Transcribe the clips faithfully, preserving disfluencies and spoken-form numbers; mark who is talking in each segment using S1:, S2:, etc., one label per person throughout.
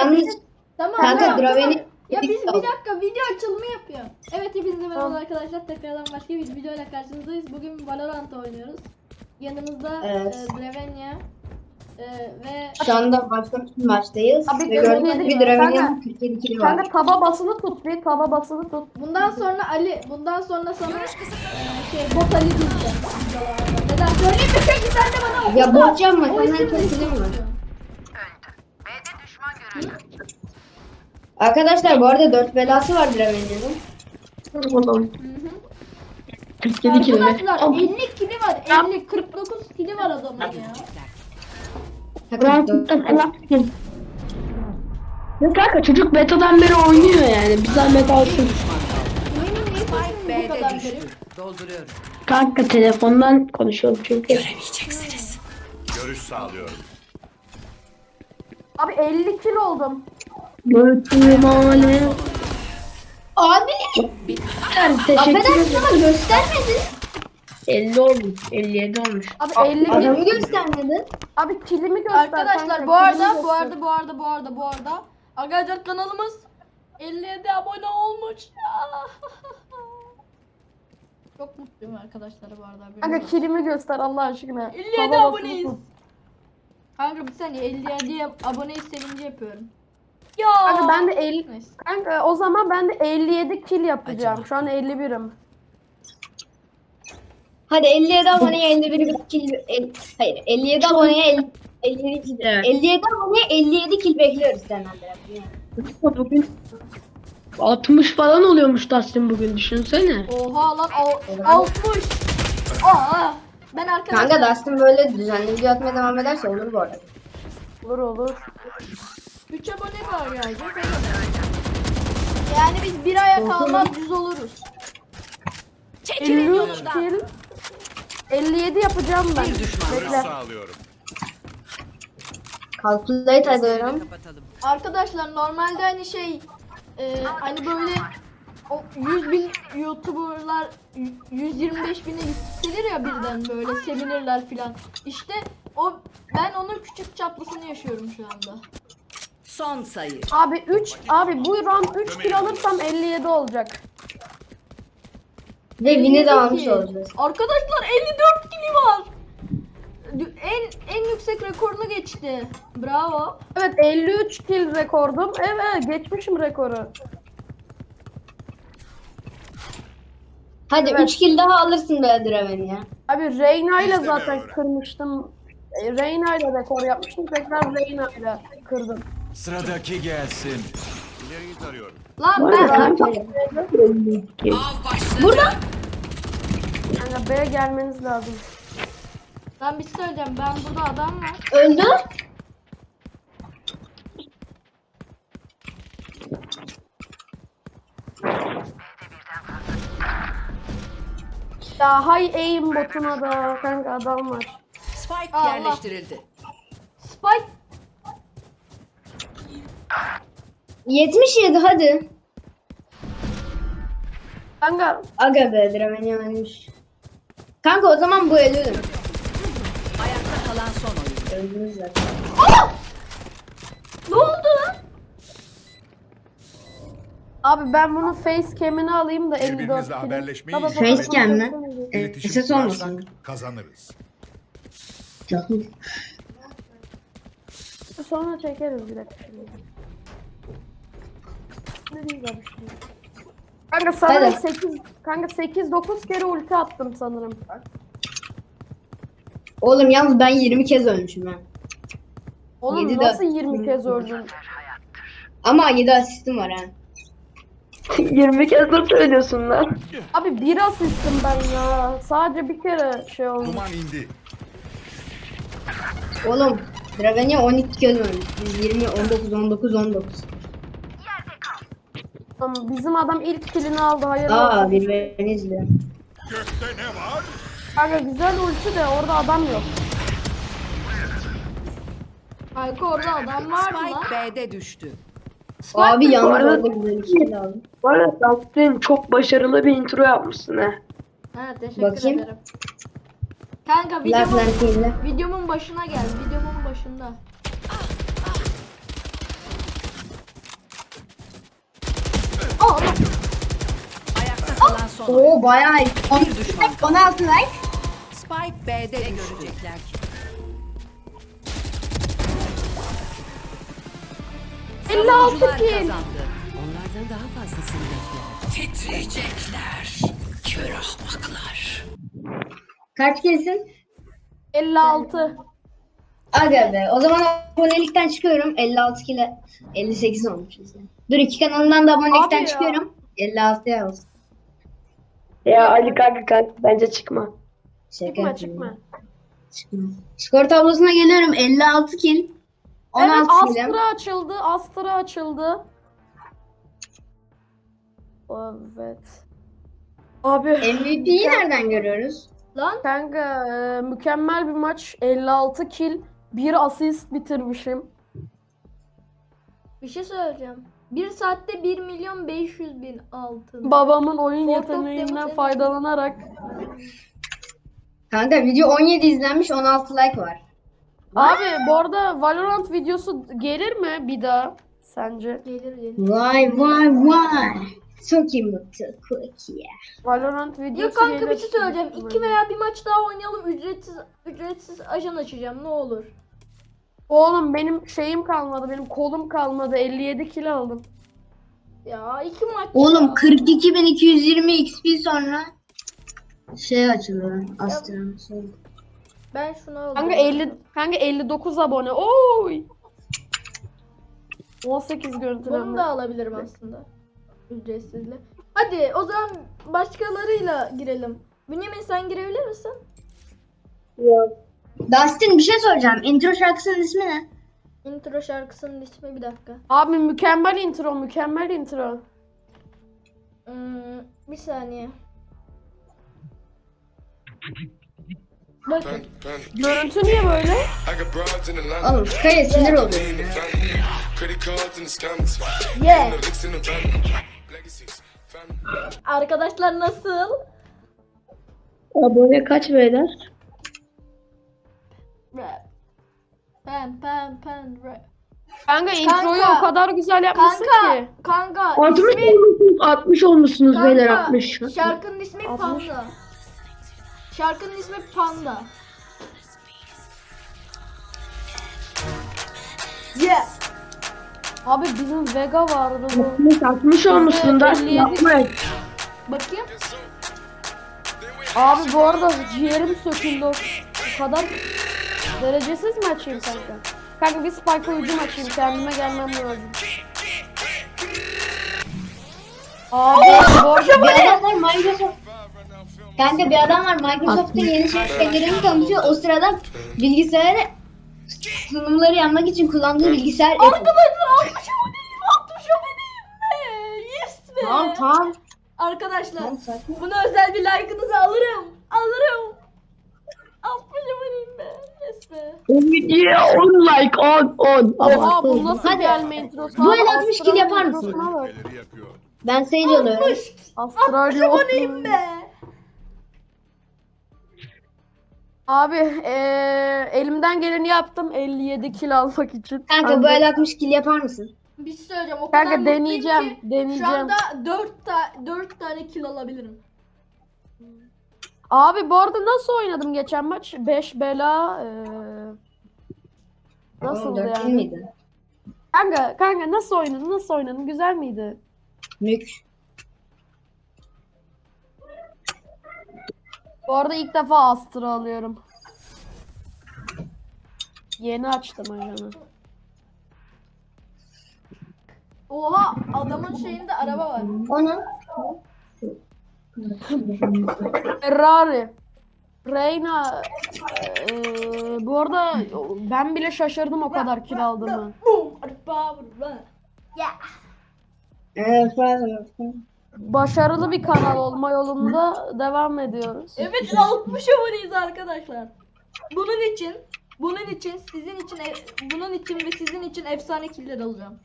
S1: Yalnız
S2: Tamam.
S1: kanka
S2: tamam,
S1: Draven'i
S2: tamam. Ya biz bir dakika video açılımı yapıyor. Evet hepinize merhaba
S3: Tamam.
S2: arkadaşlar. Tekrardan başka bir videoyla karşınızdayız. Bugün Valorant oynuyoruz. Yanımızda
S1: Evet.
S2: e, Dravenya e, ve
S1: şu anda başka bir maçtayız.
S3: Abi,
S1: Ve
S3: evet,
S1: gördüğünüz
S3: evet.
S1: gibi Draven'in
S3: Kanka-
S1: kırk yedi kili var.
S3: Kanka taba basılı tut bir taba basılı tut.
S2: bundan sonra Ali, bundan sonra sana e, şey bot Ali diyeceğim. videolarda. Neden söyleyeyim mi? Çünkü sen de bana
S1: Ya
S2: okudun.
S1: bot yapma,
S2: O
S1: senden
S2: isimle
S1: çok kilim var.
S2: istiyorsun.
S1: Arkadaşlar bu arada dört belası var Draven'in.
S3: Oğlum.
S2: Hı hı.
S3: kırk yedi kilo.
S2: Arkadaşlar elli kili var. elli kırk dokuz kili var adamın ya.
S3: Ya kanka çocuk betadan beri oynuyor yani. Bir zahmet alsın.
S2: Oyunun niye sesini bu
S4: B'de
S2: kadar
S4: düştü.
S2: garip?
S4: Dolduruyorum.
S3: Kanka telefondan konuşuyorum çünkü.
S5: Görüş sağlıyorum.
S3: Abi elli kilo oldum. Götürmane.
S1: Abi
S3: Teşekkür
S1: affedersin
S3: ederim.
S1: ama göstermedin.
S3: elli olmuş. elli yedi olmuş.
S6: Abi elli
S1: Adamı
S6: bin.
S1: göstermedin.
S6: Abi kilimi göster.
S2: Arkadaşlar
S6: kanka,
S2: bu arada
S6: kilimi
S2: bu
S6: göster.
S2: arada bu arada bu arada bu arada arkadaşlar kanalımız elli yedi abone olmuş. Çok mutluyum arkadaşlar bu arada.
S6: Kanka kilimi göster Allah aşkına.
S2: elli yedi
S6: Hava
S2: aboneyiz.
S6: basılı tut.
S2: Kanka bir saniye elli yedi aboneyi sevinci yapıyorum. Ya.
S6: Kanka ben de elli.
S2: Neyse.
S6: Kanka o zaman ben de elli yedi kill yapacağım. Şu an elli birim.
S1: Hadi elli yedi aboneye elli bir kill el, hayır elli yedi aboneye el- elli yedi kill.
S3: Evet.
S1: elli yedi aboneye elli yedi kill bekliyoruz senden biraz.
S3: Bugün altmış falan oluyormuş Dustin bugün düşünsene.
S2: Oha lan al- altmış. Aa. Ben arkadaşlar
S1: Kanka Dustin böyle düzenli video atmaya devam ederse olur bu arada.
S6: Olur olur.
S2: üç abone var gelecek. Yani biz bir aya kalmaz yüz oluruz.
S6: elli üç kill. elli yedi yapacağım ben.
S4: Bir düşman.
S5: Görüş
S6: Bekle.
S5: sağlıyorum.
S1: Calculate ediyorum.
S4: Kapatalım.
S2: Arkadaşlar normalde hani şey e, hani böyle o yüz bin YouTuber'lar y- yüz yirmi beş bine yükselir ya birden böyle sevinirler filan. İşte o ben onun küçük çaplısını yaşıyorum şu anda.
S4: Son sayı.
S6: Abi üç abi bu round üç kill alırsam elli yedi olacak.
S1: Ve win'i de almış
S2: Ki-
S1: olacağız.
S2: Arkadaşlar elli dört kili var. Dü- En en yüksek rekorunu geçti. Bravo.
S6: Evet elli üç kill rekordum. Evet geçmişim rekoru.
S1: Hadi
S6: Evet.
S1: üç kill daha alırsın be Draven'i ya.
S6: Abi Reyna ile
S5: Biz de
S6: zaten
S5: böyle.
S6: kırmıştım. E, Reyna ile rekor yapmıştım. Tekrar Reyna ile kırdım.
S5: Sıradaki gelsin. İleriyi tarıyorum.
S2: Lan ben
S4: Av başladı.
S2: burada.
S6: Yani B'ye gelmeniz lazım.
S2: Ben bir şey söyleyeceğim. Ben burada adam var.
S1: Öldü.
S6: Ya hay aim botuna da kanka adam var.
S4: Spike
S2: Allah.
S4: yerleştirildi.
S2: Spike.
S1: yetmiş yedi hadi.
S6: Kanka
S1: Aga be Draven'i ölmüş. Kanka o zaman bu ölürüm.
S4: Ayakta kalan son oyun.
S1: Öldünüz zaten.
S2: Ne oldu lan?
S6: abi ben bunun face cam'ini alayım da elli dört
S5: Birbirimizle
S6: kill.
S5: haberleşmeyi
S6: Baba,
S5: ihmal
S1: Face cam mi?
S5: İletişim
S1: Ses olmasın.
S5: kurarsak kazanırız.
S6: Sonra çekeriz bir dakika şimdi. Ne diyeyim abi şimdi? Kanka sanırım
S1: Hadi.
S6: sekiz kanka sekiz dokuz kere ulti attım sanırım.
S1: Oğlum yalnız ben yirmi kez ölmüşüm ben.
S6: Oğlum
S1: Yedi de-
S6: nasıl yirmi kez öldün?
S1: Ama yedi asistim var ha.
S3: yirmi kez de söylüyorsun lan.
S6: Abi bir asistim ben ya. Sadece bir kere şey oldu.
S5: Duman indi.
S1: Oğlum Draven'i on iki kez ölmüş. Biz yirmi, on dokuz, on dokuz, on dokuz.
S6: Tamam, bizim adam ilk killini aldı. Hayır
S1: Aa
S6: olsun.
S1: bir beni izliyor.
S5: Gökte ne var?
S6: Kanka güzel ulti de orada adam yok.
S2: Kanka orada adam vardı lan.
S4: Spike B'de düştü.
S1: Abi
S3: Bu
S1: yalnız
S3: arada-
S1: orada güzel bir şey aldım.
S3: Bu arada Dustin çok başarılı bir intro yapmışsın ha.
S2: Ha teşekkür
S1: Bakayım.
S2: ederim. Kanka
S1: Last
S2: videomun,
S1: Lanter'le.
S2: videomun başına gel. Videomun başında.
S4: oyun.
S1: Oo bayağı iyi.
S4: Bir düşman kaldı.
S1: on altı like.
S4: Spike B'de ne görecekler ki?
S6: elli altı
S4: Savunucular
S6: kill.
S4: kazandı. Onlardan daha fazlasını bekler. Titriyecekler. Kör ahmaklar.
S1: Kaç kesin?
S6: elli altı.
S1: Aga be. O zaman abonelikten çıkıyorum. elli altı kile elli sekiz olmuşuz yani. Dur iki kanalından da abonelikten
S6: Abi ya.
S1: çıkıyorum. elli altıya olsun.
S3: Ya Ali kanka kanka bence çıkma.
S1: Şaka
S6: Çıkma
S1: yapıyorum.
S6: çıkma.
S1: Çıkma. Skor tablosuna geliyorum. elli altı kill. on
S6: Evet
S1: altı kilim.
S6: Astra açıldı. Astra açıldı. Evet. Abi
S1: M V P'yi nereden görüyoruz?
S2: Lan
S6: kanka e, mükemmel bir maç. elli altı kill. bir asist bitirmişim.
S2: bir şey söyleyeceğim. Bir saatte bir milyon beş yüz bin altın.
S6: Babamın oyun
S2: Fort of
S6: yeteneğinden
S2: Demons
S6: faydalanarak.
S1: Kanka video on yedi izlenmiş, on altı like var.
S6: Abi bu arada Valorant videosu gelir mi bir daha sence?
S2: Gelir gelir.
S1: Vay vay vay. Çok iyi mutlu. Cookie.
S6: Valorant videosu
S2: Yok kanka
S6: gelir.
S2: bir şey söyleyeceğim. İki veya bir maç daha oynayalım. Ücretsiz ücretsiz ajan açacağım. Ne olur.
S6: Oğlum benim şeyim kalmadı. Benim kolum kalmadı. elli yedi kilo aldım.
S2: Ya iki maç.
S1: Oğlum
S2: ya.
S1: kırk iki bin iki yüz yirmi X P sonra şey açılıyor. Astra. Şey.
S2: Ben şunu aldım.
S6: Kanka elli kanka elli dokuz abone. Oy. on sekiz
S2: Bunu
S6: görüntülenme.
S2: da alabilirim aslında. Ücretsizle. Hadi o zaman başkalarıyla girelim. Bünyamin sen girebilir misin?
S1: Dustin bir şey soracağım. Intro şarkısının ismi ne?
S2: Intro şarkısının ismi bir dakika.
S6: Abi mükemmel intro, mükemmel intro.
S2: Hmm, bir saniye. Bakın.
S6: Görüntü niye böyle?
S1: Oğlum Kaya sinir oluyor.
S2: Yeah. Arkadaşlar nasıl?
S3: Abone kaç beyler?
S2: Rap. Pen pen pen rap.
S6: Kanka introyu
S2: Kanka.
S6: o kadar güzel yapmışsın
S2: Kanka,
S6: ki.
S2: kanka
S3: altmış
S2: ismi
S3: olmuşsunuz, altmış olmuşsunuz beyler
S2: kanka,
S3: altmış.
S2: şarkının ismi
S6: altmış.
S2: Panda. Şarkının ismi Panda. Yeah.
S6: Abi bizim Vega vardı bu.
S3: altmış, altmış olmuşsun da
S6: elli yedi.
S3: yapma.
S2: Bakayım.
S6: Abi bu arada ciğerim söküldü. O o kadar derecesiz mi açayım kanka? Kanka bir spike hücum açayım, kendime gelmem lazım. Abi bu arada
S1: Bir adam var Microsoft. Kanka bir adam var Microsoft'un yeni şirketlerini tanıtıyor. O sırada bilgisayarı sunumları yapmak için kullandığı bilgisayar Apple.
S2: Arkadaşlar altmış aboneyim. altmış aboneyim be. Yes be.
S1: Tamam tamam.
S2: Arkadaşlar
S1: Tamam, sakin.
S2: buna özel bir like'ınızı alırım. Alırım. altmış aboneyim be. Yes be.
S3: O videoya on like, on, on.
S6: oha
S3: Ama
S6: bu nasıl
S1: Hadi.
S6: gelme introsu?
S1: Bu
S6: Abi,
S1: el altmış kill yapar
S6: Astral'ın
S1: mısın?
S6: introsuna bak.
S5: Neleri yakıyor?
S1: Ben Sage alıyorum.
S2: altmış.
S6: Astral
S2: altmış
S6: yok.
S2: aboneyim be.
S6: Abi eee, elimden geleni yaptım elli yedi kill almak için.
S1: Kanka bu el altmış kill yapar mısın?
S2: Bir şey söyleyeceğim. O kadar
S6: Kanka
S2: mutluyum
S6: deneyeceğim,
S2: ki
S6: deneyeceğim.
S2: Şu anda dört ta dört tane kill alabilirim.
S6: Abi bu arada nasıl oynadım geçen maç? beş bela eee nasıldı
S1: Oğlum, dört kill
S6: yani?
S1: miydi?
S6: Kanka kanka nasıl oynadın? Nasıl oynadın? Güzel miydi?
S1: Mük.
S6: Bu arada ilk defa Astra alıyorum. Yeni açtım ajanı.
S2: Oha adamın şeyinde araba var.
S1: Onu
S6: Ferrari. Reyna. eee, bu arada ben bile şaşırdım o kadar kill aldığımı.
S2: Boom. Araba araba. Yeah.
S1: Evet, pardon.
S6: Başarılı bir kanal olma yolunda devam ediyoruz.
S2: Evet altmış aboneyiz arkadaşlar. Bunun için, bunun için, sizin için, e- bunun için ve sizin için efsane killer alacağım.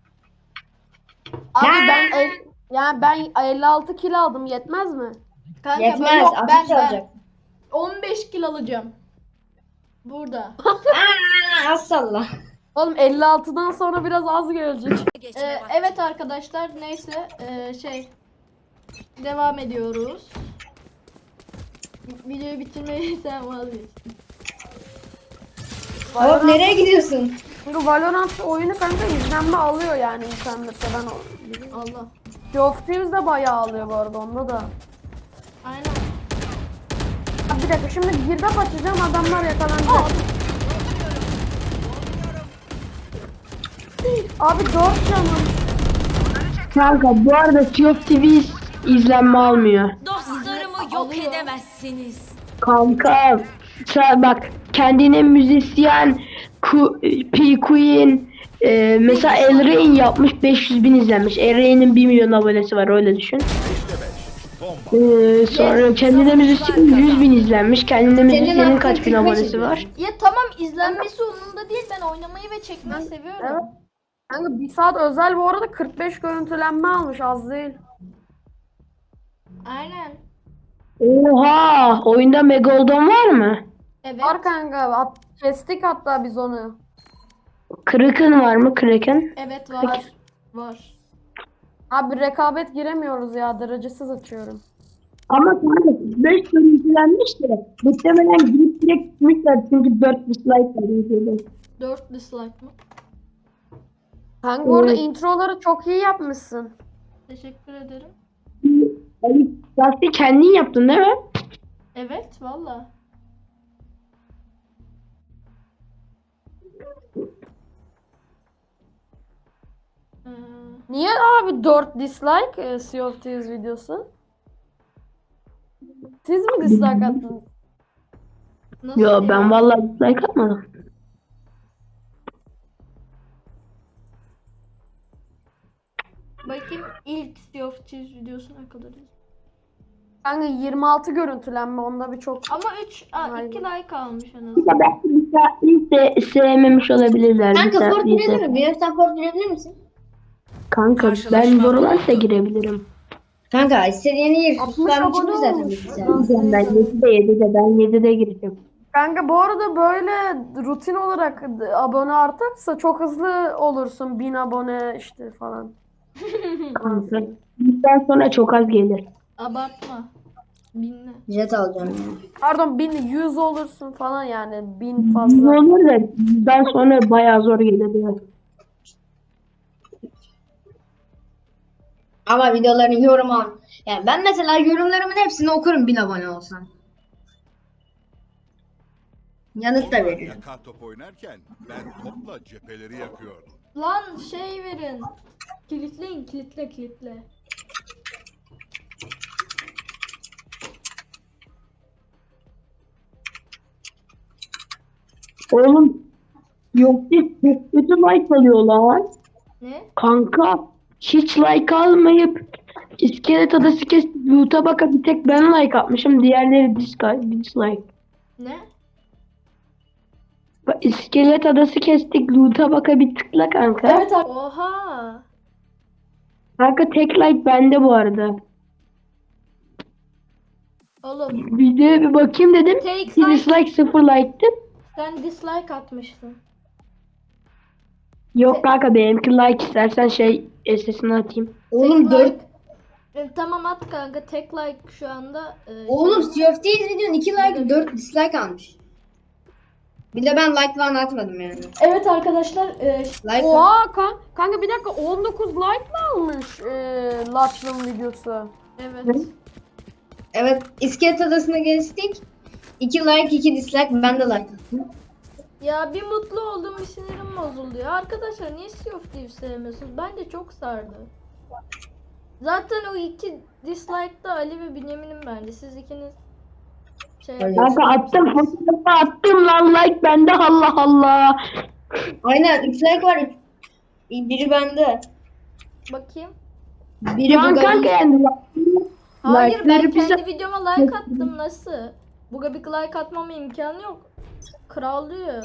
S6: Abi ben el, yani ben elli altı kill aldım, yetmez mi?
S2: Kanka
S1: Yetmez.
S2: ben, yok, ben,
S1: altmış
S2: ben
S1: olacak.
S2: on beş kill alacağım. Burada.
S1: Aa, az salla.
S6: Oğlum elli altıdan sonra biraz az gelecek.
S2: Ee, evet arkadaşlar neyse ee, şey devam ediyoruz. Videoyu bitirmeyi sen vazgeçtin.
S1: Hop nereye gidiyorsun?
S6: Çünkü Valorant oyunu kanka izlenme alıyor yani internette ben o.
S2: Allah.
S6: Sea of Thieves de bayağı alıyor bu arada onda da.
S2: Aynen.
S6: Ha, bir dakika şimdi girdap açacağım adamlar yakalanacak. Abi dört canım.
S3: Kanka bu arada Sea of Thieves izlenme almıyor.
S7: Dostlarımı yok
S2: Alıyor.
S7: edemezsiniz.
S3: Kanka sen bak kendine müzisyen Ku- P Queen e, mesela El Rey'in yapmış beş yüz bin izlenmiş. El Rey'nin bir milyon abonesi var öyle düşün.
S5: Bomba.
S3: E, sonra kendine müzisyen yüz bin izlenmiş. Kendine müzisyenin
S1: hakkın
S3: kaç bin
S1: kırk beş
S3: abonesi
S1: izlenmiş.
S3: var?
S2: Ya tamam izlenmesi umurumda değil. Ben oynamayı ve çekmeyi seviyorum.
S6: Evet. Kanka bir saat özel bu arada kırk beş görüntülenme almış az değil.
S2: Aynen.
S3: Oha! Oyunda Megalodon var mı?
S2: Evet.
S6: Var kanka at, kestik hatta biz onu.
S3: Kraken var mı? Kraken?
S2: Evet var. Var.
S6: Abi rekabet giremiyoruz ya derecesiz açıyorum.
S3: Ama kanka beş görüntülenmiş de muhtemelen girip direkt gitmişler çünkü dört dislike var videoda.
S2: dört dislike mı?
S6: Kanka bu arada
S3: Evet.
S6: introları çok iyi yapmışsın.
S2: Teşekkür ederim.
S3: Ali, Lastiği kendin yaptın değil mi?
S2: Evet valla. Ee,
S6: Niye abi dört dislike e, Sea of Thieves videosu? Siz mi dislike attınız?
S2: nasıl
S3: Yo
S2: ya?
S3: ben vallahi dislike atmadım.
S2: Bakayım ilk Sea of Thieves videosu ne kadar izledim.
S6: Kanka yirmi altı görüntülenme onda bir çok.
S2: Ama üç,
S6: Aynen.
S2: iki like almış en azından.
S3: Ama belki bir de sevmemiş olabilirler.
S1: Kanka
S3: bir
S1: Ford
S3: saat
S1: girebilir
S3: izle.
S1: mi? Bir sen Ford girebilir misin?
S3: Kanka ben
S4: Karşılaşma
S3: Valorant'a
S4: oldu.
S3: girebilirim.
S1: Kanka istediğini gir.
S6: altmış
S1: Ben
S6: abone
S1: çıkmış zaten
S6: olmuş.
S1: bilgisayarda.
S3: Ben yedide yedide ben yedide gireceğim.
S6: Kanka bu arada böyle rutin olarak abone artarsa çok hızlı olursun. bin abone işte falan.
S3: Kanka. Bizden sonra çok az gelir.
S2: Abartma. Binle.
S1: Jet alacağım yani.
S6: Pardon bin yüz olursun falan yani bin
S3: Ne
S6: fazla.
S3: olur da bizden sonra bayağı zor gelir. biraz.
S1: Ama videoların yorum al. Yani ben mesela yorumlarımın hepsini okurum bin abone olsam. Yanıt da
S5: Onlar
S1: veririm.
S5: yakar top oynarken ben topla cepheleri yakıyordum.
S2: Lan şey verin. Kilitleyin kilitle kilitle.
S3: Oğlum yok değil çok kötü like alıyorlar.
S2: Ne?
S3: Kanka hiç like almayıp iskelet adası kesip loot'a baka bir tek ben like atmışım. Diğerleri dislike. dislike.
S2: Ne?
S3: Bak, İskelet adası kestik loot'a baka bir tıkla kanka.
S2: Evet abi. Oha.
S3: Kanka tek like bende bu arada.
S2: Oğlum
S3: Videoya bir bakayım dedim.
S2: Take
S3: Bir
S2: like.
S3: dislike sıfır like'tı.
S2: sen dislike atmışsın.
S3: Yok kanka benimki like istersen şey S S'ini atayım.
S1: Oğlum
S2: Tek
S1: dört.
S2: like- E, tamam at kanka tek like şu anda. e,
S1: Oğlum
S2: şey-
S1: Sea of Thieves videonun iki like dört dislike almış. Bir de ben like falan atmadım yani.
S2: Evet arkadaşlar e,
S1: Like
S6: Oha kan kanka bir dakika on dokuz like mi almış e, Latch'ın videosu?
S2: evet.
S1: Evet, İskelet Adası'na geçtik. iki like, iki dislike. Ben de like attım.
S2: Ya bir mutlu oldum bir sinirim bozuldu ya. Arkadaşlar niye Sea of Thieves sevmiyorsunuz? Bence çok sardı. Zaten o iki dislike'da Ali ve Bünyamin'im bence. Siz ikiniz şey
S1: Öyle.
S3: Kanka attım fotoğrafı attım lan like bende Allah Allah.
S1: Aynen, üç like var. üç- Biri bende.
S2: bakayım.
S1: Biri
S3: Şu an
S1: bu
S3: kanka yani
S2: Hayır ben
S3: like'ları bize-
S2: kendi videoma like attım nasıl? Buga bir like atmama imkanı yok. Kral diyor.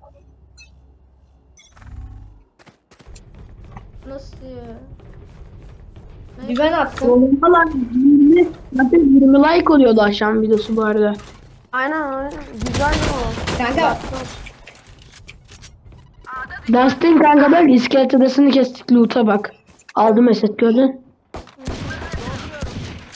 S2: Nasıl ya?
S1: Bir ben attım.
S3: Oğlum falan yirmi, zaten yirmi like oluyordu akşam videosu bu arada.
S6: Aynen aynen güzel o.
S1: Kanka,
S3: Dustin kanka bak iskelet adasını kestik loot'a bak. Aldım eset gördün.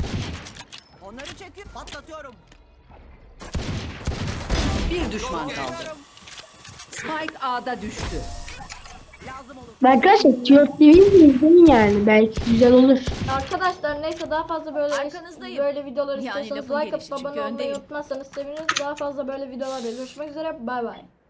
S4: Bir düşman kaldı. Spike A'da düştü.
S3: Arkadaşlar T O F T V'yi izleyin yani. Belki güzel olur.
S2: Arkadaşlar neyse daha fazla böyle
S7: Arkanızdayım.
S2: böyle videolar
S7: Yani
S2: istiyorsanız
S7: lafın
S2: like atıp
S7: gelişi, çünkü
S2: abone olmayı
S7: öndeyim.
S2: unutmazsanız seviniriz. Daha fazla böyle videolar görüşmek üzere. Bay bay.